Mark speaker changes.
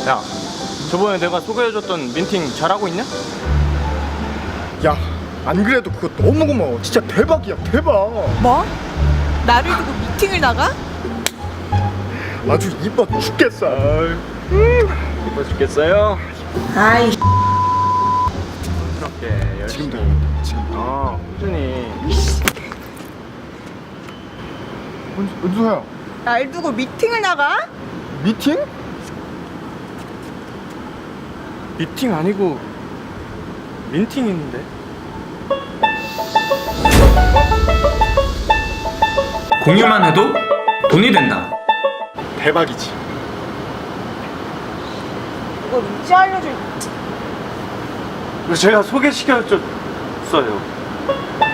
Speaker 1: 야, 저번에 내가 소개해줬던 민팅 잘하고 있냐?
Speaker 2: 야, 안 그래도 그거 너무 고마워. 진짜 대박이야, 대박.
Speaker 3: 뭐? 나를 두고 미팅을 나가?
Speaker 2: 아주 이뻐 죽겠어.
Speaker 1: 이뻐 죽겠어요.
Speaker 3: 아이
Speaker 1: 그렇게 열심히.
Speaker 2: 지금도 지금.
Speaker 1: 꾸준히.
Speaker 2: 은수야,
Speaker 3: 날 두고 미팅을 나가?
Speaker 2: 미팅?
Speaker 1: 미팅 아니고 민팅인데.
Speaker 4: 공유만 해도 돈이 된다.
Speaker 2: 대박이지.
Speaker 3: 이걸 이제 알려줄
Speaker 1: 제가 소개시켜줬어요.